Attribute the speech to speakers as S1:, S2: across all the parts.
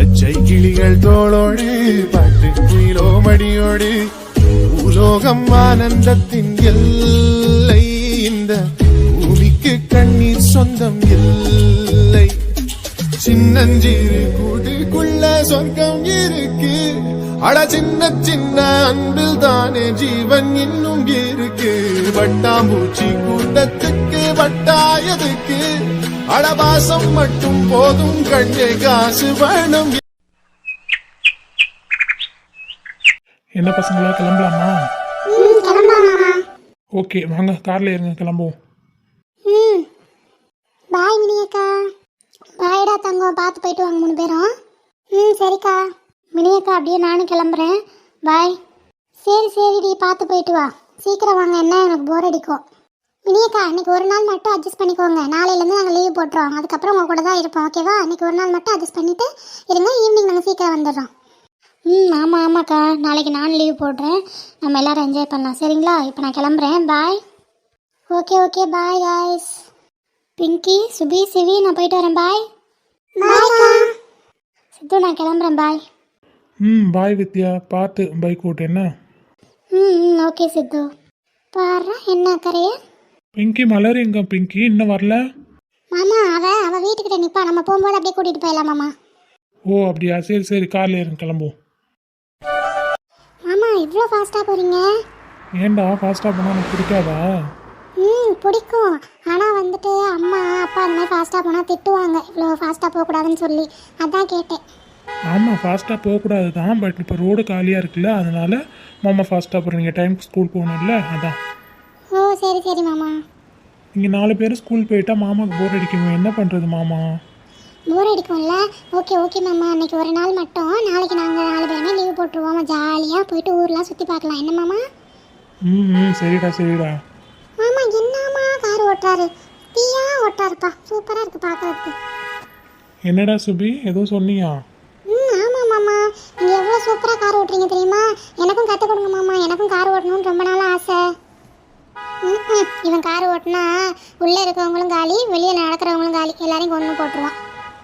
S1: பச்சை கிளிகள் தோளோடு பாட்டு குயிலோ மடியோடு உலோகம் ஆனந்தத்தின் எல்லை. இந்த பூமிக்கு கண்ணீர் சொந்தம் இல்லை. சின்னஞ்சிறு கூட்டுக்குள்ள சொர்க்கம் இருக்கு. அட சின்ன சின்ன அன்பில் தானே ஜீவன் இன்னும் இருக்கு. வட்டாம்பூச்சி கூட்டத்துக்கு வட்டாயதுக்கு அடபாசம் மட்டும் போதும் கண்ணே காசு வேணும்.
S2: என்ன பசங்களா கிளம்பலாமா? ஓகே வாங்க கார்ல இருங்க கிளம்புவோம்.
S3: பாய் மினியக்கா. பாய்டா தங்கம், பார்த்து போயிட்டு வாங்க 3 பேரும். சரிக்கா. மினியக்கா அப்படியே நானும் கிளம்புறேன். பாய். சரிடி, பார்த்து போயிட்டு வா. சீக்கிரம் வாங்க, என்ன எனக்கு போர் அடிக்கும். மினியக்கா இன்னைக்கு ஒரு நாள் மட்டும் அட்ஜஸ்ட் பண்ணிக்கோங்க. நாளையிலேருந்து நாங்கள் லீவ் போட்டுறோம். அதுக்கப்புறம் உங்கள் கூட தான் இருப்போம், ஓகேவா? இன்னைக்கு ஒரு நாள் மட்டும் அட்ஜஸ்ட் பண்ணிவிட்டு இருங்க. ஈவினிங் நாங்கள் சீக்கிரம் வந்துடுறோம். ஆமாக்கா, நாளைக்கு நான் லீவ் போடுறேன். நம்ம எல்லோரும் என்ஜாய் பண்ணலாம், சரிங்களா? இப்போ நான் கிளம்புறேன். Bye. Okay bye guys. Pinky, Subi, Sivi, நான் போயிட்டு வரேன். பாய். சித்து, நான் கிளம்புறேன். பாய்.
S2: பாய் வித்யா, பார்த்து பைக் ஓட்டு என்ன.
S3: ஓகே சித்து. பாரு என்ன கரையே.
S2: பிங்கி மலர் எங்க? பிங்கி இன்னும் வரல.
S3: மாமா அவ வீட்டுக்கிட்ட நிப்பா. நம்ம போகும்போது அப்படியே கூட்டிட்டு போயிடலாம் மாமா.
S2: ஓ அப்படியா, சரி கார்ல இருங்க கிளம்புவோம்.
S3: மாமா இவ்வளோ ஃபாஸ்ட்டாக போகிறீங்க?
S2: ஏன்டா ஃபாஸ்ட்டாக போனால் எனக்கு பிடிக்காதா?
S3: பிடிக்கும். ஆனால் வந்துட்டு அம்மா அப்பா அந்த மாதிரி ஃபாஸ்ட்டாக போனால் திட்டுவாங்க, இவ்வளோ ஃபாஸ்ட்டாக போகக்கூடாதுன்னு சொல்லி. அதான் கேட்டேன்.
S2: ஆமாம் ஃபாஸ்ட்டாக போகக்கூடாது தான், பட் இப்போ ரோடு காலியாக இருக்குல்ல, அதனால மாமா ஃபாஸ்ட்டாக போகிறீங்க. டைமுக்கு ஸ்கூல் போகணும்ல, அதான்.
S3: ஓ சரி மாமா.
S2: நீங்கள் 4 பேர் ஸ்கூல் போயிட்டா மாமாவுக்கு போர் அடிக்குமே, என்ன பண்ணுறது மாமா?
S3: போர் அடிக்கும்ல. ஓகே மாமா, அன்றைக்கி ஒரு நாள் மட்டும். நாளைக்கு நாங்கள் 4 பேருமே லீவ் போட்டுருவோம். ஜாலியாக போயிட்டு ஊர்லாம் சுற்றி பார்க்கலாம், என்ன மாமா?
S2: சரிடா.
S3: மாமா என்னம்மா கார் ஓட்டுறாரு, தீயா ஓட்டுறாருப்பா. சூப்பராக இருக்குது பார்க்குறதுக்கு.
S2: என்னடா சுபி ஏதோ சொன்னியா?
S3: ஆமாம் மாமா, நீங்கள் எவ்வளோ சூப்பராக கார் ஓட்டுறீங்க தெரியுமா? எனக்கும் கற்றுக் கொடுங்க மாமா, எனக்கும் கார் ஓட்டணும்னு ரொம்ப நாள் ஆசை. இவன் கார் ஓட்டினா உள்ளே இருக்கிறவங்களும் காலி, வெளியே நடக்கிறவங்களும் காலி, எல்லாரையும் கொண்டு போட்டுருவான்.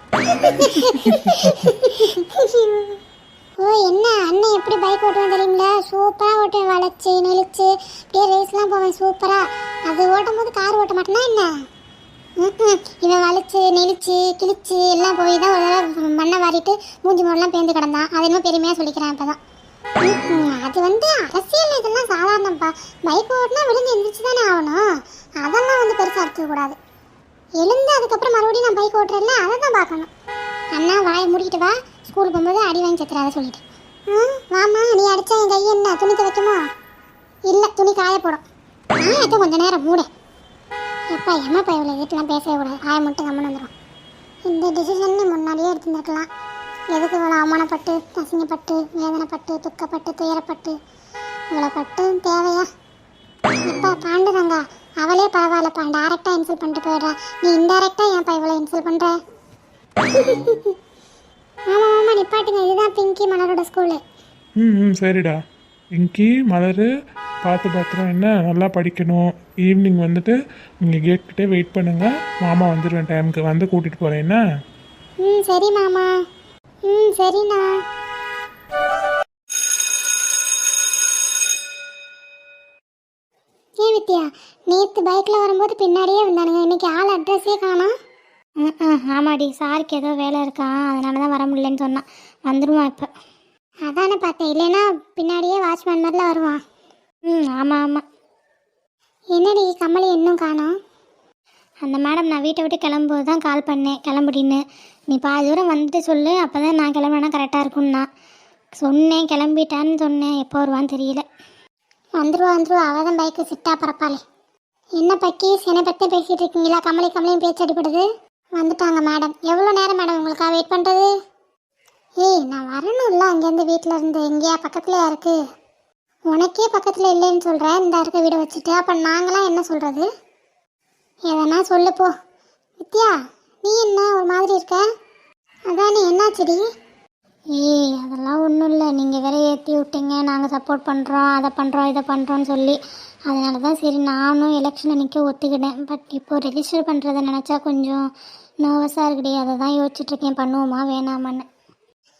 S3: ஓ என்ன அண்ணன் எப்படி பைக் ஓட்டுவேன் தெரியுங்களா? சூப்பராக ஓட்டுவேன், வளைச்சி நெளிச்சு அப்படியே ரேஸ்லாம் போவேன் சூப்பராக. அது ஓட்டும் போது கார் ஓட்ட மாட்டேன்னா என்ன? இவன் வளைச்சு நெளிச்சு கிழிச்சு எல்லாம் போய் தான் ஒரு தடவை மண்ணை வாரிட்டு மூஞ்சி மூடெல்லாம் பேந்து கிடந்தான். அது இன்னும் பெருமையாக சொல்லிக்கிறேன் இப்போ தான். அது வந்து அரசியல் இதெல்லாம் சாதாரணப்பா. பைக் ஓட்டினா விழுந்து எந்திரிச்சு தானே ஆகணும். அதெல்லாம் வந்து பெருசாக இருக்கக்கூடாது. எழுந்து அதுக்கப்புறம் மறுபடியும் நான் பைக் ஓட்டுறேன்ல, அதை தான் பார்க்கணும். அண்ணா வாயை மூடிக்கிட்டு வா, ஸ்கூல் போகும்போது அடி வாங்கி செத்துறாத சொல்லிட்டு. வாமா, நீ அடித்தா என் கையை என்ன துணி துவைக்குமா? இல்லை, துணி காய போடும். நான் கொஞ்சம் நேரம் மூட. எப்பா ஏமாப்பா இவ்வளோ வீட்டெலாம் பேசவே கூடாது, ஆய மட்டும் கம்மன் வந்துடும். இந்த டிசிஷன் முன்னாடியே எடுத்துருந்துருக்கலாம். எதுக்கு இவ்வளோ அவமானப்பட்டு அசிங்கப்பட்டு வேதனைப்பட்டு துக்கப்பட்டு துயரப்பட்டு இவ்வளோ பட்டு தேவையா? இப்போ பாண்டுதாங்க அவளே பரவாயில்லப்பா, டேரெக்டாக இன்சல்ட் பண்ணிட்டு போயிடுறா. நீ இன்டெரக்டாக ஏன்ப்பா இவ்வளோ இன்சல்ட் பண்ணுற? ஆமாம் நிப்பாட்டுங்க. இதுதான் பிங்கி மலரோட ஸ்கூலு.
S2: சரிடா. பிங்கி மலர் பார்த்து பத்திரம், என்ன நல்லா படிக்கணும். ஈவினிங் வந்துட்டு நீங்கள் கேட்கிட்டே வெயிட் பண்ணுங்கள், மாமா வந்துடுவேன் டைமுக்கு, வந்து கூட்டிகிட்டு போகிறேன் என்ன?
S3: சரி மாமா. சரிண்ணா. ஏன் வித்யா, நேற்று பைக்கில் வரும்போது பின்னாடியே வந்தானுங்க, இன்னைக்கு ஆள் அட்ரஸே காணோம். ஆமாடி, சாருக்கு ஏதோ வேலை இருக்கா, அதனால தான் வர முடியலன்னு சொன்னான். வந்துடுவான் இப்போ. அதானே பார்த்தேன், இல்லைன்னா பின்னாடியே வாட்ச்மேன் மாதிரிலாம் வருவான். ஆமாம். என்னடி கமலி இன்னும் காணோம்? அந்த மேடம் நான் வீட்டை விட்டு கிளம்பும்போது தான் கால் பண்ணேன் கிளம்புடின்னு. நீ பாதி தூரம் வந்துட்டு சொல்லு, அப்போ தான் நான் கிளம்புனா கரெக்டாக இருக்கும்னா சொன்னேன். கிளம்பிட்டான்னு சொன்னேன், எப்போ வருவான்னு தெரியல. வந்துருவா அவள் தான் பைக்கு சிட்டா பரப்பாளே. என்ன பக்கி என்னை பற்றி பேசிகிட்டு இருக்கீங்களா? கமலியும் பேச்சு அடிப்படுது. வந்துட்டாங்க மேடம். எவ்வளோ நேரம் மேடம் உங்களுக்காக வெயிட் பண்ணுறது? நான் வரணும்ல அங்கேருந்து வீட்டில் இருந்து. எங்கேயா பக்கத்துலையா இருக்குது? உனக்கே பக்கத்தில் இல்லைன்னு சொல்கிறேன், இந்த இருக்க வீடை வச்சுட்டு. அப்போ நாங்களாம் என்ன சொல்கிறது? எதனா சொல்லுப்போ. வித்யா நீ என்ன ஒரு மாதிரி இருக்க? அதானே என்னாச்சுடி? அதெல்லாம் ஒன்றும் இல்லை, நீங்கள் வேற ஏற்றி விட்டீங்க, நாங்கள் சப்போர்ட் பண்ணுறோம், அதை பண்ணுறோம் இதை பண்ணுறோன்னு சொல்லி. அதனால தான் சரி நானும் எலெக்ஷனில் நிற்க ஒத்துக்கிட்டேன். பட் இப்போது ரெஜிஸ்டர் பண்ணுறதை நினச்சா கொஞ்சம் நர்வஸாக இருக்குடி. அதை தான் யோசிச்சுட்ருக்கேன், பண்ணுவோமா வேணாமான்னு.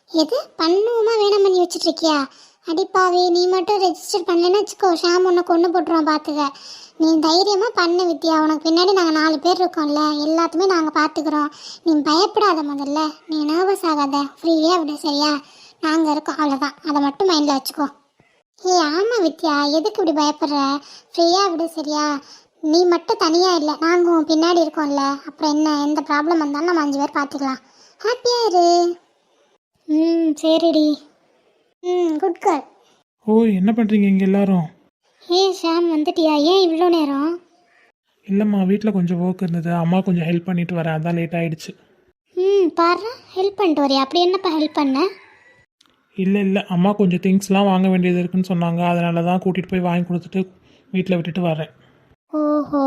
S3: எது பண்ணுவோமா வேணாம் பண்ணி வச்சுட்டு இருக்கியா? அடிப்பாவி, நீ மட்டும் ரெஜிஸ்டர் பண்ணலன்னு வச்சுக்கோ, ஷாம் உன்னை கொண்டு போட்டுருவான் பார்த்துக்க. நீ தைரியமாக பண்ணு வித்யா, உனக்கு பின்னாடி நாங்கள் 4 பேர் இருக்கோம்ல, எல்லாத்துமே நாங்கள் பார்த்துக்குறோம். நீ பயப்படாத, முதல்ல நீ நர்வஸ் ஆகாத, ஃப்ரீயாக விடு சரியா? நாங்கள் இருக்கோம், அவ்வளோதான். அதை மட்டும் மைண்டில் வச்சுக்கோ. ஏய் ஆமாம் வித்யா, எதுக்கு இப்படி பயப்படுற? ஃப்ரீயாக விடு சரியா? நீ மட்டும் தனியாக இல்லை, நாங்கள் உன் பின்னாடி இருக்கோம்ல, அப்புறம் என்ன, எந்த ப்ராப்ளம் வந்தாலும் நம்ம 5 பேர் பார்த்துக்கலாம். ஹாப்பியாக இரு. சரிடி. Good girl.
S2: ஓய், என்ன பண்ணுறீங்க இங்கே எல்லாரும்?
S3: ஷாம் வந்துட்டியா? ஏன் இவ்வளோ நேரம்?
S2: இல்லைம்மா, வீட்டில் கொஞ்சம் ஒர்க் இருந்தது, அம்மா கொஞ்சம் ஹெல்ப் பண்ணிட்டு வரேன், அதான் லேட் ஆகிடுச்சு.
S3: பாரு, ஹெல்ப் பண்ணிட்டு வரியா? அப்படி என்னப்பா ஹெல்ப் பண்ண?
S2: இல்லை அம்மா கொஞ்சம் திங்ஸ்லாம் வாங்க வேண்டியது இருக்குன்னு சொன்னாங்க, அதனால தான் கூட்டிகிட்டு போய் வாங்கி கொடுத்துட்டு வீட்டில் விட்டுட்டு வரேன்.
S3: ஓஹோ,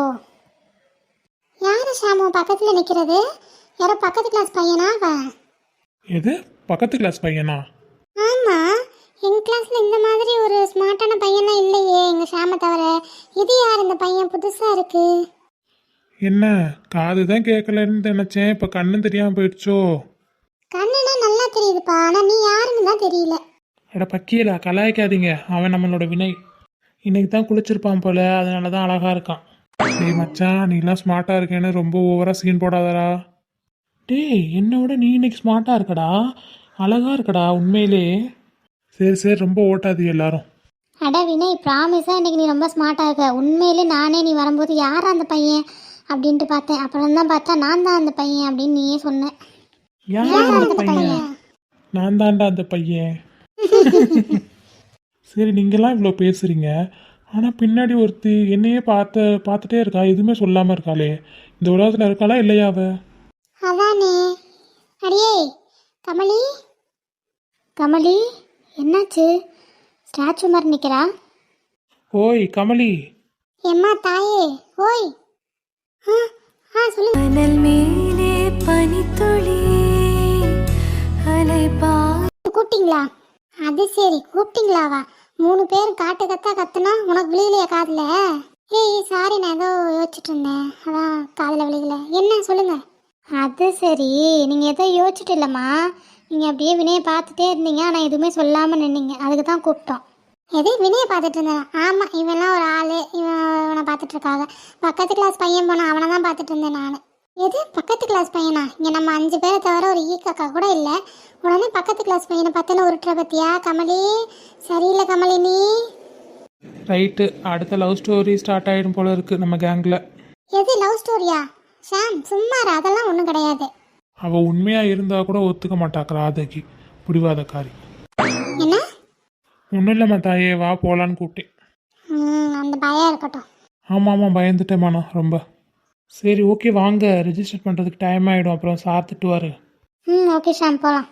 S3: யாரு ஷாமு பக்கத்தில் நிற்கிறது? யாரோ பக்கத்து கிளாஸ் பையனா அவன்?
S2: எது, பக்கத்து கிளாஸ் பையனா?
S3: ஆமாம், எங்கள் கிளாஸில் இந்த மாதிரி ஒரு ஸ்மார்ட்டான பையனா இல்லையே எங்கள் ஷாமை தவிர. இது யார் இந்த பையன்? புதுசாக இருக்கு.
S2: என்ன, காது தான் கேட்கலன்னு நினச்சேன், இப்போ கண்ணு தெரியாமல் போயிடுச்சோ?
S3: கண்ணுனா நல்லா தெரியுதுப்பா, ஆனால் நீ யாருன்னு தான் தெரியல.
S2: அட பக்கியலா, கலாய்க்காதீங்க, அவன் நம்மளோட வினய். இன்னைக்கு தான் குளிச்சிருப்பான் போல, அதனால தான் அழகாக இருக்கான். டேய் மச்சான், நீலாம் ஸ்மார்ட்டாக இருக்கேன்னு ரொம்ப ஓவராக சீன் போடாதடா. டேய், என்னோட நீ இன்னைக்கு ஸ்மார்ட்டாக இருக்கடா, அழகாக இருக்கடா உண்மையிலே. சரி ரொம்ப ஓட்டாது எல்லாரும்.
S3: அட வினய், ப்ராமிஸாக இன்னைக்கு நீ ரொம்ப ஸ்மார்ட்டாக இருக்க. உண்மையிலே நானே நீ வரும்போது யாரா அந்த பையன் அப்படின்ட்டு பார்த்தேன். அப்புறம் தான் பார்த்தா நான் தான் அந்த பையன் அப்படின்னு நீயே சொன்ன.
S2: யார் அந்த பையன்? நான் தான்டா அந்த பையன். சரி, நீங்களாம் இவ்வளோ பேசுகிறீங்க, ஆனால் பின்னாடி ஒருத்தி என்னையே பார்த்துட்டே இருக்கா, எதுவுமே சொல்லாமல் இருக்காளே. இந்த உலகத்தில் இருக்காளா இல்லையா அவ?
S3: அதானே. அடியே கமலி, கமலி என்னாச்சு? ஸ்டாச்சு மாதிரி நிற்கிறா.
S2: ஓய் கமலி.
S3: எம்மா தாயே, ஓய். சொல்லுங்க.
S4: மணல் மேலே பனித்துளி அலைபா.
S3: கூப்பிட்டீங்களா? அது சரி, கூப்பிட்டீங்களாவா? 3 பேர் காட்டு கத்துனா உனக்கு விழுகலையா காதில்? ஏய் சாரி, நான் ஏதோ யோசிச்சுட்டு இருந்தேன், அதான் காதில் விழுகல. என்ன சொல்லுங்க. அது சரி, நீங்கள் எதோ யோசிச்சுட்டு இல்லைம்மா, நீங்கள் அப்படியே வினையை பார்த்துட்டே இருந்தீங்க, ஆனால் எதுவுமே சொல்லாமல் நின்னீங்க, அதுக்கு தான் கூப்பிட்டோம். எது வினையை பார்த்துட்டு இருந்தேன்? ஆமாம், இவன்லாம் ஒரு ஆள், இவனை பார்த்துட்டு இருக்காங்க. பக்கத்து கிளாஸ் பையன் போனான், அவனை தான் பார்த்துட்டு இருந்தேன் நான். எது பக்கத்து கிளாஸ் பையனா? இங்கே நம்ம 5 பேரை தவிர ஒரு ஈக்காக்கா கூட இல்லை, உடனே பக்கத்து கிளாஸ் பையனை பார்த்தேன்னு உருட்டுற பத்தியா? கமலி சரியில்லை கமலி நீ.
S2: ரைட்டு, அடுத்த லவ் ஸ்டோரி ஸ்டார்ட் ஆகிடும் போல இருக்கு நம்ம கேங்கில்.
S3: எது லவ் ஸ்டோரியா? ஷாம் சும்மாரு, அதெல்லாம் ஒன்றும் கிடையாது.
S2: அவள் உண்மையாக இருந்தால் கூட ஒத்துக்க மாட்டாக்கா ராதகி, பிடிவாதக்காரி.
S3: என்ன?
S2: ஒன்றும் இல்லைம்மா தாயே, வா போகலான்னு கூப்பிட்டேன்.
S3: அந்த பயம் இருக்கட்டும்.
S2: ஆமாம் பயந்துட்டேம்மா நான் ரொம்ப. சரி ஓகே, வாங்க, ரெஜிஸ்டர் பண்ணுறதுக்கு டைம் ஆகிடும், அப்புறம் சார் திட்டுவார்.
S3: ஓகே ஷாம், போகலாம்.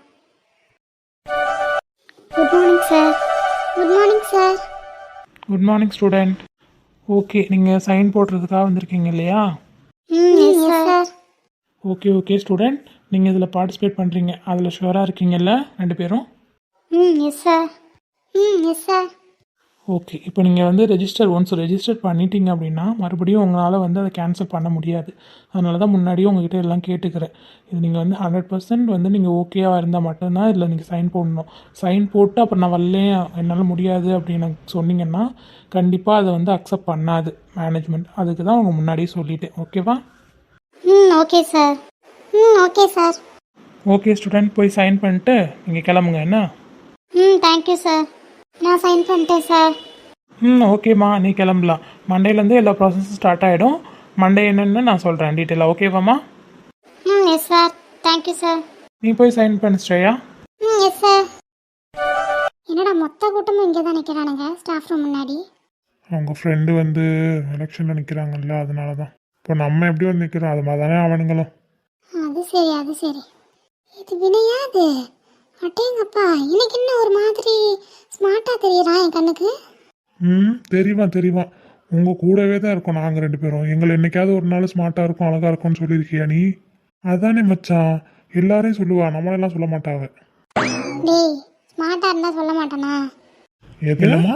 S3: Good morning sir. Good morning sir.
S2: Good morning student. Okay, நீங்கள் சைன் போடுறதுக்காக வந்திருக்கீங்க இல்லையா?
S3: S sir.
S2: ஓகே ஸ்டூடெண்ட், நீங்கள் இதில் பார்ட்டிசிபேட் பண்ணுறீங்க, அதில் ஷுவராக இருக்கீங்கல்ல 2 பேரும்?
S3: Yes sir. Yes sir.
S2: Okay, இப்போ நீங்கள் வந்து ஒன்ஸ் ரெஜிஸ்டர் பண்ணிட்டீங்க அப்படின்னா மறுபடியும் உங்களால் வந்து அதை கேன்சல் பண்ண முடியாது. அதனால தான் முன்னாடியே உங்ககிட்ட எல்லாம் கேட்டுக்கிறேன். இது நீங்கள் வந்து 100% வந்து நீங்கள் ஓகேவாக இருந்தால் மட்டும்தான் இதில் நீங்கள் சைன் போடணும். சைன் போட்டு அப்புறம் நான் வரலேன், என்னால் முடியாது அப்படின்னு சொன்னீங்கன்னா கண்டிப்பாக அதை வந்து அக்செப்ட் பண்ணாது மேனேஜ்மெண்ட். அதுக்கு தான் உங்கள் முன்னாடியே சொல்லிட்டேன். ஓகேவா?
S3: Okay sir. Okay sir.
S2: Okay student, போய் சைன் பண்ணிட்டு நீங்கள் கிளம்புங்க. என்ன?
S3: Thank you sir. நான் சைன் பண்ணிட்டேன் சார்.
S2: ஓகேம்மா, நீ கிளம்பலாம். மண்டேலேருந்து எல்லா ப்ராசஸும் ஸ்டார்ட் ஆகிடும். மண்டே என்னென்னு நான் சொல்கிறேன் டீட்டெயிலாக. ஓகேவாம்மா?
S3: Yes sir. Thank you sir.
S2: நீ போய் சைன் பண்ணு ஸ்ரேயா.
S3: Yes sir. என்னடா மொத்த கூட்டமும் இங்கே தான் நிற்கிறானுங்க ஸ்டாஃப் ரூம் முன்னாடி.
S2: அவங்க ஃப்ரெண்டு வந்து எலெக்ஷனில் நிற்கிறாங்கல்ல, அதனால தான். இப்போ நம்ம எப்படி வந்து நிற்கிறோம் அது மாதிரி தானே அவனுங்களும்.
S3: அது சரி. இது வினையா? அது அட்டேங்கப்பா, எனக்கு என்ன ஒரு மாதிரி ஸ்மார்ட்டாக தெரியறான் என் கண்ணுக்கு.
S2: தெரியுமா உங்கள் கூடவே தான் இருக்கோம் நாங்கள் 2 பேரும். எங்களை என்னைக்காவது ஒரு நாள் ஸ்மார்ட்டாக இருக்கும் அழகாக இருக்கும்னு சொல்லியிருக்கியா நீ? அதானே மச்சான், எல்லாரையும் சொல்லுவா, நம்மளெல்லாம் சொல்ல மாட்டாவ.
S3: டேய், ஸ்மார்ட்டாக இருந்தால் சொல்ல மாட்டானா?
S2: எதுலம்மா?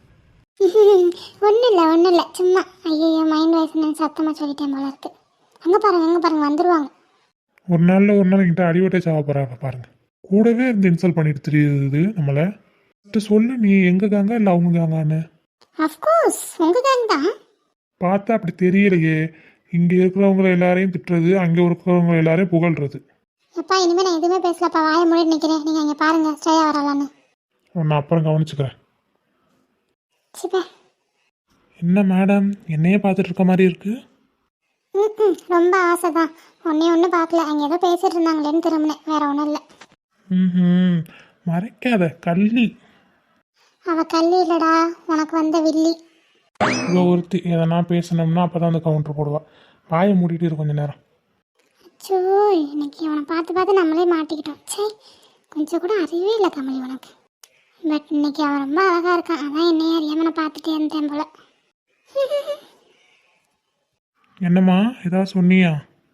S3: ஒன்றும் இல்லை சும்மா. ஐயோ, மைண்ட் வாய்ஸ் நான் சத்தமாக சொல்லிட்டேன் போல இருக்கு. அங்கே பாருங்க வந்துடுவாங்க.
S2: ஒரு நாள் என்கிட்ட அடிவட்டை சாவ போகிறாங்க பாருங்க.
S5: கூடவே இருந்து இன்சல்ட் பண்ணிட்டு தெரியுது நம்மளை. சொல்லு, நீ எங்க கேங்க இல்லை அவங்க கேங்கான்னு.
S3: அஃப்கோர்ஸ் உங்கள் கேங் தான்.
S5: பார்த்தா அப்படி தெரியலையே. இங்கே இருக்கிறவங்க எல்லாரையும் திட்டுறது, அங்கே இருக்கிறவங்க எல்லாரையும் புகழ்றது.
S3: எப்பா இனிமேல் நான் எதுவுமே பேசலப்பா, வாயை மூடி நிற்கிறேன். நீங்கள் அங்கே பாருங்கள் ஸ்ரேயா வரலான்னு.
S5: நான் அப்புறம் கவனிச்சுக்கிறேன்.
S3: சிப்பா.
S5: என்ன மேடம், என்னையே பார்த்துட்டு இருக்க மாதிரி இருக்கு?
S3: ம் ரொம்ப ஆசை தான். ஒன்று பார்க்கல, அங்கே ஏதோ பேசிகிட்டு இருந்தாங்களேன்னு திரும்பினேன், வேற ஒன்றும் இல்லை.
S5: ம், மறைக்காத கள்ளி.
S3: அவள் கல்லி இல்லடா, உனக்கு வந்த வில்லி.
S5: இவ ஒருத்தி எதனா பேசணும்னா அப்போ தான் வந்து கவுண்டர் போடுவா. வாயை மூடிட்டு இரு கொஞ்ச நேரம்.
S3: அச்சோ, இன்னைக்கு அவனை பார்த்து நம்மளே மாட்டிக்கிட்டோம். சே, கொஞ்சம் கூட அறிவே இல்லை கமலி உனக்கு. பட் இன்னைக்கு அவன் ரொம்ப அழகாக இருக்கான், அதான் என்னையே அறியாம நான் பார்த்துட்டே இருந்தேன் போல.
S5: என்னம்மா ஏதாவது சொன்னியா?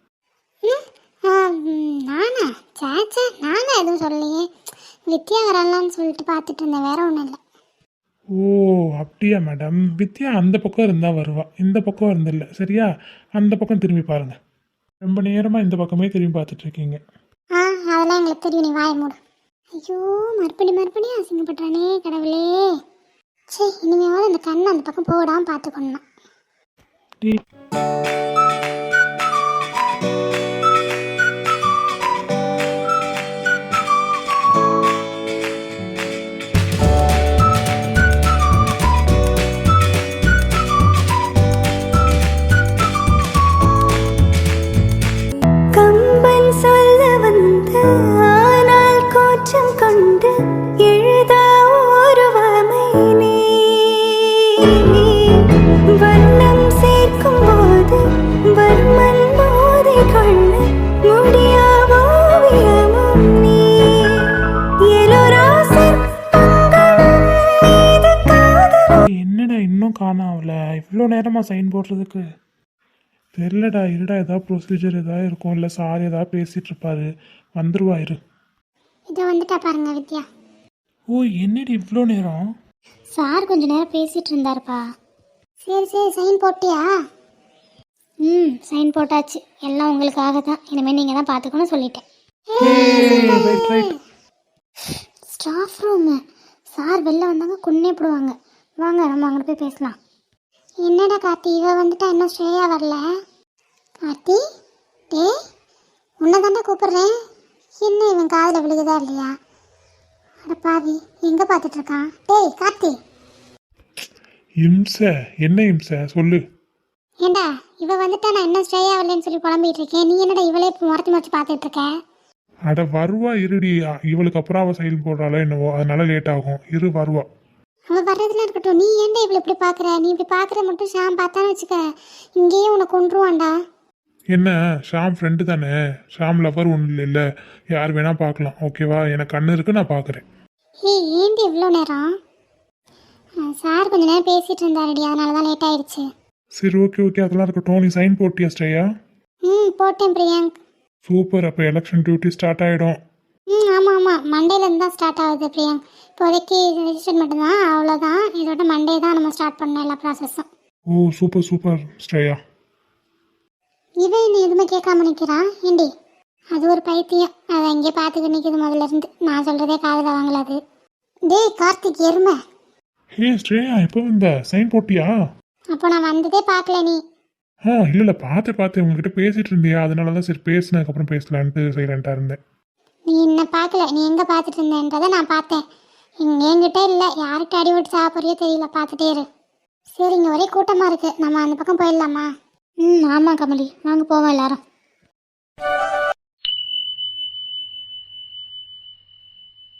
S3: நானா? சேச்சே, நானா எதுவும் சொல்லலையே. வித்யா வரலான்னு சொல்லிட்டு பார்த்துட்டு இருந்தேன், வேற ஒன்றும் இல்லை.
S5: ஓ அப்படியா மேடம். வித்யா அந்த பக்கம் இருந்தால் வருவா, இந்த பக்கம் இருந்தில்ல. சரியா, அந்த பக்கம் திரும்பி பாருங்க. ரொம்ப நேரமாக இந்த பக்கமே திரும்பி பார்த்துட்டு இருக்கீங்க.
S3: அதெல்லாம் எங்களுக்கு தெரியும், நீ வாயை மூடு. ஐயோ, மறுபடியும் அசிங்கப்படுறானே கடவுளே. சே, இனிமேவாவது அந்த கண்ணை அந்த பக்கம் போடாமல் பார்த்துக்கணும்.
S5: டேய்,
S4: கம்பன் சொல்ல வந்த ஆனால் கோச்சம் கொண்டு எழுதா ஒருவமை நீ வண்ணம் சேர்க்கும் போது வர்மன் போதை கொள்ள முடியா ஓவியமும் நீ எலோராசர் பங்களும் மீது காதல்.
S5: என்னடா இன்னும் காணாமல? இவ்வளோ நேரமாக சைன் போடுறதுக்கு தெரிலடா. இருடா, ஏதாவது ப்ரொசீஜர் ஏதாவது இருக்கும், இல்லை சார் ஏதாவது பேசிகிட்டு இருப்பாரு, வந்துருவா இரு.
S3: இதை வந்துட்டா பாருங்க வித்யா.
S5: ஓ என்னடி இவ்வளோ நேரம்?
S3: சார் கொஞ்ச நேரம் பேசிட்டு இருந்தாருப்பா. சரி சைன் போட்டியா? சைன் போட்டாச்சு. எல்லாம் உங்களுக்காக தான். இனிமேல் நீங்கள் தான் பார்த்துக்கணும் சொல்லிட்டேன்.
S5: ரைட்.
S3: Staff room. சார் வெளில வந்தாங்க கொன்னே போடுவாங்க. வாங்க நம்ம அங்கே போய் பேசலாம். என்னடா கார்த்தி, இவ வந்துட்டா இன்னும் ஸ்ரேயா வரல? கார்த்தி, டேய் உன்னை தாண்டா கூப்பிட்றேன். என்ன இவன் காதில் விழுகுதா இல்லையா? அட பாவி, எங்கே பார்த்துட்டு இருக்கான்? டேய் கார்த்தி.
S5: இம்சை என்ன இம்சை சொல்லு.
S3: ஏண்டா இவ வந்துட்டா நான் இன்னும் ஸ்ரேயா வரலன்னு சொல்லி புலம்பிட்டு இருக்கேன். நீ என்னடா இவளே முறைச்சி பார்த்துட்டு இருக்க?
S5: அட வருவா இருடி. இவளுக்கு அப்புறம் அவள் சைன் போடுறாளோ என்னவோ, அதனால லேட் ஆகும். இரு வருவா.
S3: அவள் வர்றதுலாம் இருக்கட்டும், நீ ஏன்டா இவளை இப்படி பார்க்குற? நீ இப்படி பார்க்குற மட்டும் ஷாம் பார்த்தான்னு வச்சுக்க, இங்கேயே உன்னை கொன்றுவான்டா.
S5: என்ன, ஷாம் ஃப்ரெண்டு தானே. ஷாம் லவர் ஒன்றும் இல்லை, யார் வேணா பார்க்கலாம். ஓகேவா, எனக்கு கண்ணு இருக்கு, நான் பார்க்குறேன்.
S3: ஏய் ஏண்டி இவ்வளோ நேரம்? சார் கொஞ்ச நேரம் பேசிகிட்டு இருந்தாருடி, அதனால தான் லேட் ஆயிடுச்சு.
S5: சரி ஓகே அதெல்லாம் இருக்கட்டும். நீ சைன் போட்டியா ஸ்ரேயா?
S3: போட்டேன் பிரியாங்க்.
S5: சூப்பர். அப்போ எலெக்ஷன் டியூட்டி ஸ்டார்ட் ஆகிடும்.
S3: ஆமாம் மண்டேலேருந்து தான் ஸ்டார்ட் ஆகுது பிரியாங்க். இப்போதைக்கு ரெஜிஸ்டர் மட்டும்தான், அவ்வளோதான். இதோட மண்டே தான் நம்ம ஸ்டார்ட் பண்ணோம் எல்லா ப்ராசஸும்.
S5: ஓ சூப்பர் ஸ்ரேயா.
S3: இவன் என்ன எதுவுமே கேட்காம நிற்கிறான் ஏண்டி? அது ஒரு பைத்தியம், அதை அங்கேயே பார்த்துக்க நிற்கிது முதல்ல இருந்து. நான் சொல்கிறதே காதில் வாங்கலாது. டேய் கார்த்திக் எருமை.
S5: ஹே ஸ்ரேயா, எப்போ வந்த? சைன் போட்டியா?
S3: அப்போ நான் வந்ததே பார்க்கல நீ.
S5: இல்லை பார்த்தேன் உங்ககிட்ட பேசிட்டு இருந்தியா, அதனால தான் சரி பேசினதுக்கப்புறம் பேசலான்ட்டு சைலண்டாக இருந்தேன்.
S3: நீ என்ன பார்க்கல, நீ எங்கே பார்த்துட்டு இருந்தேன்றதை நான் பார்த்தேன். என்கிட்ட இல்லை, யார்கிட்ட அடிபட்டு சாப்பிட்றியோ தெரியல, பார்த்துட்டே இரு. சரி, இங்கே ஒரே கூட்டமாக இருக்குது, நம்ம அந்த பக்கம் போயிடலாமா? ஆமாம் கமலி, வாங்க போவோம் எல்லாரும்.